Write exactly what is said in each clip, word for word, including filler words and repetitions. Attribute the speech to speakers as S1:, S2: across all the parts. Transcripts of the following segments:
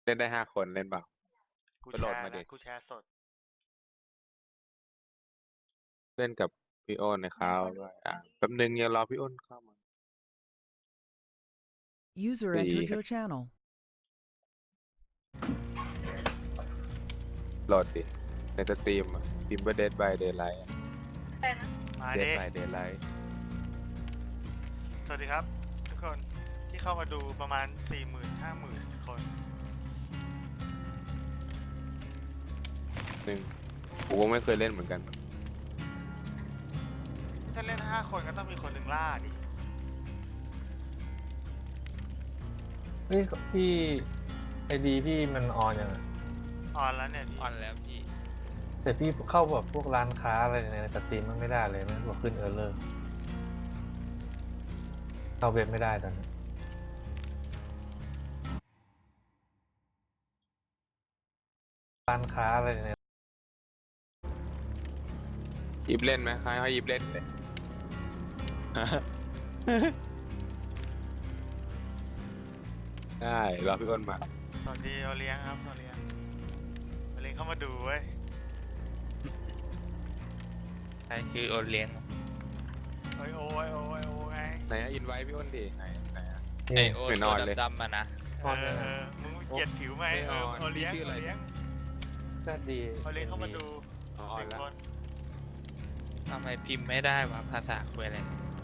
S1: ล่นได้ห้าคนเล่นเปล่า
S2: กู
S1: ไป
S2: แช
S1: โหลด
S2: ร์
S1: มาดิ
S2: นะกูแชร์สด
S1: เล่นกับพี่อ้นนะครับด้วยอ่ะแป๊บนึงอย่ารอพี่อ้นเข้ามา
S3: User
S1: ดี
S3: entered your channel.
S1: โหลดดิในสตรีมอ่ะพิมพ์ว่า Dead by Daylight อะ
S2: มา
S1: Dead
S2: ดิ
S1: by Daylight
S2: สวัสดีครับ ทุกคนที่เข้ามาดูประมาณ สี่หมื่น ห้าหมื่น คน
S1: หนึ่งกูก็ไม่เคยเล่นเหมือนกัน
S2: ถ้าเล่น ห้า คนก็ต้องมีคนหนึ่งล่าดิ
S4: เฮ้ยพี่ไอดีพี่มันออนยังไง
S2: ออนแล้วเนี่ยพี่
S5: ออนแล้วพี่
S4: แต่พี่เข้าแบบพวกร้านค้าอะไรในสตรีมมันไม่ได้เลยมันบอกขึ้นเออร์เลอร์เข้าเว็บไม่ได้ตอนนี้ร้านค้าอะไรใน
S1: ยิบเล่นไหมใครให้ยิบเล่นเลย ได้รอพี่อ้นมา
S2: สวัสดีโอเลี้ยงครับโอเลี้ยงโอเลี้ยงเข้ามาดูเว้ย
S5: ใช่คือโอเลี้ยง
S2: โอ้ยโอ้ยโอ้ยโอ้ยไง
S1: ไหนอินไว้พี่อ้นดิไหนไหนอะ
S5: ไอ
S4: นี่
S5: โอ
S1: ไม่น
S5: ตั
S1: อ
S5: วน
S1: เลย
S5: ดำๆมานะ
S2: เออเออมึงเกลียดผิวไหม
S1: ไม่
S2: เอ
S1: อ
S2: อ
S1: อน
S2: โอเลี้ยง
S1: พี่ชื่อ
S2: โอ
S1: อะไร
S2: เลี้ยง
S4: ก็ดี
S2: โอเลี้ยงเข้ามาดู
S1: อ๋อ
S2: หนึ่ง
S1: แล้ว
S2: คน
S5: ทำไมพิมพ์ไม่ได้วะภาษาคุยอะไร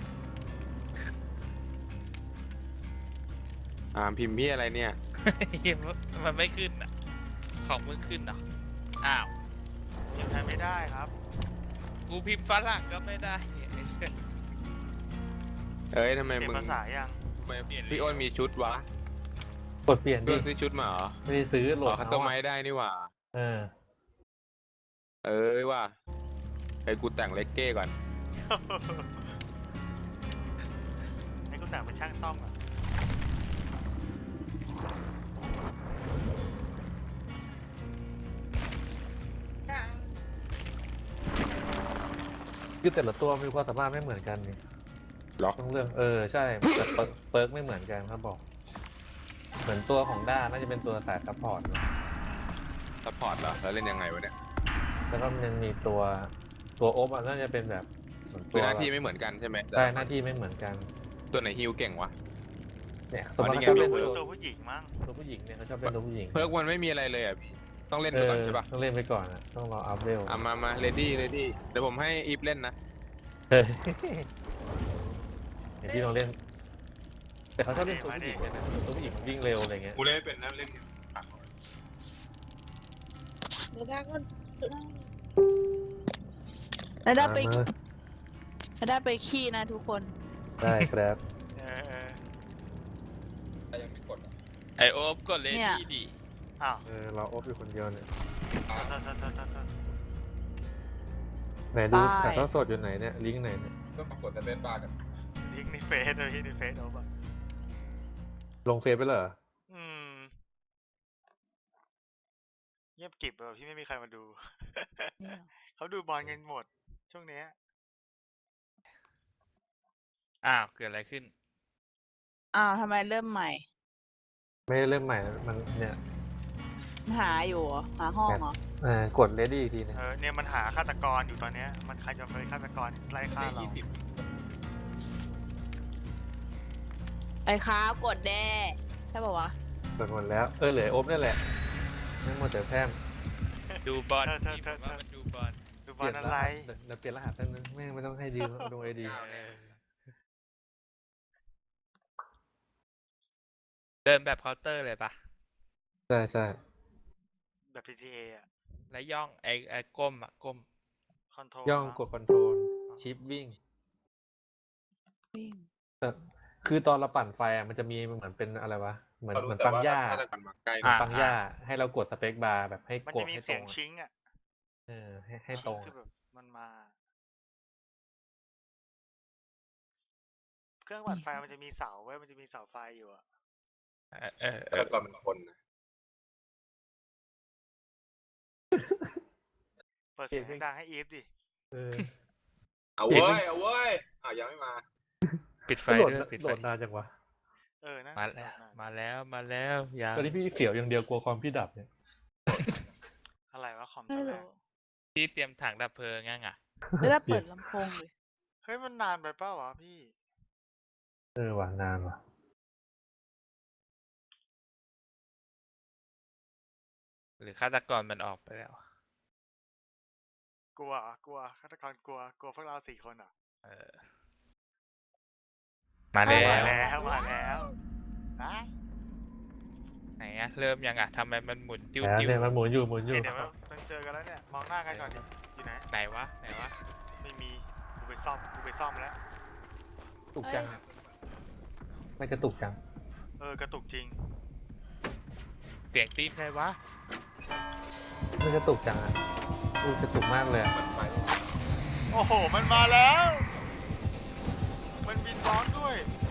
S1: อ่าพิมพ์พี่อะไรเนี่ย
S5: มันไม่ขึ้นอ่ะ ของมึงขึ้นเหรอ อ้าว
S2: ยังใช้ไม่ได้ครับ
S5: กูพิมพ์ฝรั่งก็ไม่ได้ไอ้เหี้ย
S1: เอ้ยทำไม
S2: เปลี่ย
S1: มึ
S2: น
S1: ง
S2: ภาษายัง
S1: ทำไม
S5: เปลี่ยน
S1: พี่อ้นมีชุดวะ
S4: กดเปลี่ยน
S1: พี่
S4: ดิ
S1: อ้นซื้อชุดมาเหรอ
S4: ไม่ได้ซื้อโหล
S1: อ๋อ
S4: ด
S1: คัส
S4: เอา
S1: ตอมไม
S4: อะ
S1: ซ์ได้นี่หว่า
S4: เออ
S1: เอ้ยว่าไอ้กูแต่งเลกเก้ก่อน
S2: ให้กูแต่งเป็นช่างซ่อมอ่ะ
S4: คือแต่ละตัวมีความสามารถไม่เหมือนกันนี่
S1: ล็อก
S4: ต้องเรื่องเออใช่แต่เปิร์กเปิร์กไม่เหมือนกันครับบอก เหมือนตัวของด้าน่าจะเป็นตัวสายซัพพอร์ตนะ
S1: ซัพพอร์ตเหรอแล้วเล่นยังไงวะเนี่ย
S4: แล้วก็มันมีตัวตัวโอฟอ่ะน่าจะเป็นแบบเหมือน
S1: คื
S4: ตั
S1: อ
S4: ว
S1: หน้าที่ไม่เหมือนกันใช่ไหม
S4: ใช่หน้าที่ไม่เหมือนกัน
S1: ตัวไหนฮิวเก่งวะ
S4: เนี่ยส
S1: อ๋
S4: ม
S1: อ
S4: ม
S1: นี่
S4: ติ
S1: ไง
S4: เขาชอบเล่น
S2: ตัว
S4: ตัว
S2: ผู้หญิงมั้ง
S4: ตัวผู้หญิงเนี่ยเขาชอบเล่นตัวผู้หญิง
S1: เพิร์กมันไม่มีอะไรเลยอ่ะพี่ต้องเล่น
S4: เอ
S1: ไป
S4: อ
S1: ก่อนใช่ปะ
S4: ต้องเล่นไปก่อนอ่ะต้องรออัพเวล
S1: อ่ะมามาเรดี้เรดี้เดี๋ยวผมให้อีฟเล่นนะ
S4: เฮ้ยเดี๋ยวพี่ลองเล่น แต่เขาชอบเล่นตัวผู้หญิงเนี่ยนะตัวผู้หญิงมันวิ่งเร็วอะไรเงี้ย
S1: กูเล่นไม่เป็นนะเล่น
S6: แล้วได้ไป
S4: มา
S6: แล้วได้ไปขี้นะทุกคน
S4: ได้ครับ
S2: เออเออ
S1: แต่ยังไม่กดอ่ะ
S5: ไอโอฟกดเล
S6: เนี่ย
S5: ดี้ดิ
S2: อ้าว
S4: เออเราอบอยู่คนเดียวเนี่ย
S2: โทษโทษโทษโทษโทษโทษ
S4: ไหนดู
S6: บาย
S4: ถ่ายทอดสดอยู่ไหนเนี่ยลิงก์ไหนเนี่ย
S1: ก็ปรากฏแต่เล่นบ้ากัน
S2: ลิงก์ในเฟซเลยพี่ในเฟซโอ้ปะ
S4: ลงเฟซไปเลยเหรอ
S2: อืมเงียบกริบเลยพี่ไม่มีใครมาดู
S6: เนี่ย
S2: เขาดูบอลกันหมด ช่วงเนี้ย
S5: อ้าว เกิดอะไรขึ้น
S6: อ้าวทำไมเริ่มใหม่
S4: ไม่ได้เริ่มใหม่นะมันเนี่ย
S6: หาอยู่เหรอหาห้องเหรอ
S4: เออกดเลดี้อีกทีนึง
S2: เออเนี่ยมันหาฆาตกรอยู่ตอนเนี้ย มันใครจะเป็นฆาตกรไล่ฆ่าเรา
S1: ยี่สิบ
S6: ไปครับกดแด้ใช่ป่าวะ
S4: กดหมดแล้วเออเหลืออบนั่นแหละไม่หมดแต่แพร่ม
S5: ดูบอล
S2: เธอเธอ
S5: พี่
S2: เธ
S5: ผ
S2: อ
S5: มว่ามันดูบอล
S2: ดูบ
S4: เป
S2: อ
S4: ลี่
S2: ล
S4: ยน
S2: อะ
S4: ร
S2: ไร
S4: หัสเดี๋ยวเดี๋ยวเปลี่ยนรหัสแป๊บนึงแม่งไม่ต้องให้ดีลงไอดี
S5: เดินแบบเคาน์เตอร์เลยปะ
S4: ใช่ใช่
S2: แบบ พี ที เอ อ่ะ
S5: แล้วย่องไอไอก้มอ่ะก้ม
S2: คอนโทรล
S4: ย่องกดคอนโทรลชิปวิ่ง
S6: วิ่ง
S4: แต่คือตอนเราปั่นไฟอ่ะมันจะมีเหมือนเป็นอะไรวะเหมือนเหมือนปั๊มหญ้า
S1: ถ้าจะกันมาใกล้
S5: อ่ะ
S4: ปั๊มหญ้าให้เรากดสเปคบาร์แบบให้
S2: มัน
S4: ก
S2: จะ
S4: ด
S2: มี
S4: ให้ต
S2: เสี
S4: ร
S2: ยง
S4: งอะ
S2: ชิงอ่ะ
S4: เออให้ให้
S2: ชิ
S4: ตรง ง
S2: คือ
S4: อะ
S2: แบบมันมา เครื่องปั่นไฟมันจะมีเสาไว้ยมันจะมีเสาไฟอยู่อ่ะ
S5: เออเออเอ
S1: แล้
S5: อ
S1: วก็เป็นคนนะ
S2: เปิดเสียงดังให้อีฟดิ
S4: เออ
S1: เอาเว้ยเอาเว้ยอ่ะยังไม่มา
S5: ปิดไฟ
S4: โหลด
S5: ด้วยปิด
S4: โหล
S5: ไฟ
S4: ดนานจังวะ
S2: เอเออนะ
S5: มาแล้วมาแล้วมาแล้วยัง
S4: ตอนนี้พี่เสียวอย่างเดียวกลัวความพี่ดับเนี่ย
S2: อะไรวะคอม
S6: ไม่
S2: จะแร
S6: รู้
S2: ง
S5: พี่เตรียมถังดับเพลิงงั้งอ่ะ
S6: ไม่ได้เปิดลำโพงเลย
S2: เฮ้ยมันนานไปเปล่าวะพี่
S4: เออว่ะนานว่ะ
S5: หรือฆาตกรมันออกไปแล้ว
S2: กลัวเหรอกลัวฆาตกรกลัวกลัวพวกเราสี่คนเหรอ
S5: เออ มาแล้
S2: มาว แล้วมาแล้วนะ
S5: ไหนอะเริ่มยังอะทำไมมันหมุนติ้ว
S4: แล้ว
S5: ติ้ว
S4: เนี่ยมันหมุนอยู่หมุนอยู่
S2: เดี๋ยวมันมันเจอกันแล้วเนี่ยมองหน้ากันก่อนดิอยู่ไหน
S5: ไหนวะไหนวะ
S2: ไม่มีกูไปซ่อมกูไปซ่อมแล้ว
S4: ตุกจังอะไม่กระตุกจัง
S2: เออกระตุกจริง
S5: เสียงตีนใครวะ
S4: ไม่กระตุกจังอ่ะอู้กระตุกมากเลยอะ
S2: โอ้โหมันมาแล้ว มันบินร้อนด้วย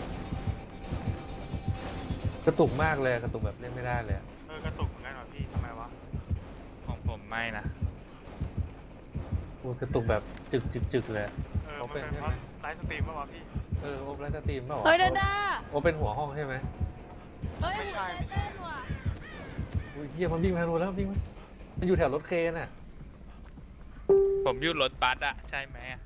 S4: กระตุกมากเลยกระตุกแบบเล่นไม่ได้เลยอะ
S2: เออกระตุกเหมือนกันเหรอพี่ทำไมวะ
S5: ของผมไม่นะ
S4: อู้กระตุกแบบจึกจึกจึกเลยอะ
S2: เออ
S4: เขา
S2: มัน
S4: เป็น
S2: เป็น
S4: ใช่
S2: เพ
S4: ไหม
S2: ราะไลฟ์สตรีมป่าวะพี่
S4: เออโอเปร่าสตรีมเปล่าวะ
S6: เฮ้ยดาดา
S4: โอเป็นหัวห้องใช่ไหม
S6: เฮ้ย
S2: ไม่
S6: หัว
S2: ใช่
S6: ใจ
S2: ไม่ใช่
S6: เต้นว่ะ
S4: อุ้ยเฮียมันวิ่งมาทางนู้นแล้ววิ่งมามันอยู่แถวรถเคนอ่ะ
S5: ผมอยู่รถบัสอะใช่ไหมอะ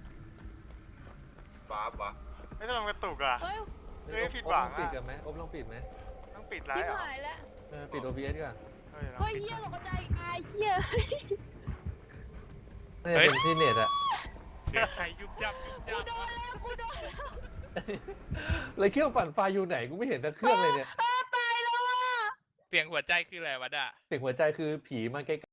S2: ไม่ทำไมมันกระตุกอ่ะ
S6: เฮ้ย
S2: เฮ้ยผิดหวัง
S4: โอบลองปิด
S2: อะ
S4: กันไหมโอบลองปิดไหม
S2: ต้องปิดไล
S6: ชิบ
S2: ฟ์เหรอ
S6: หายแล้ว
S4: เออปิด โอ บี เอส ก่อน
S2: เฮ้ย
S6: เฮ้ยเฮียตกใจอายเฮีย
S4: น่าจะเป็นที่เน็ตอะ
S5: เสียงใครยุบยับยุบ
S6: กู
S5: ยับ
S6: โดนแล้วกูโดนแล้ว
S4: เลยเครื่องปั่นไฟอยู่ไหนกูไม่เห็นแต่เครื่องเลยเนี่ย
S6: อ้าตายแล้วว่ะ
S5: เสียงหัวใจคืออะไรวะด่ะ
S4: เสียงหัวใจคือผีมาใกล้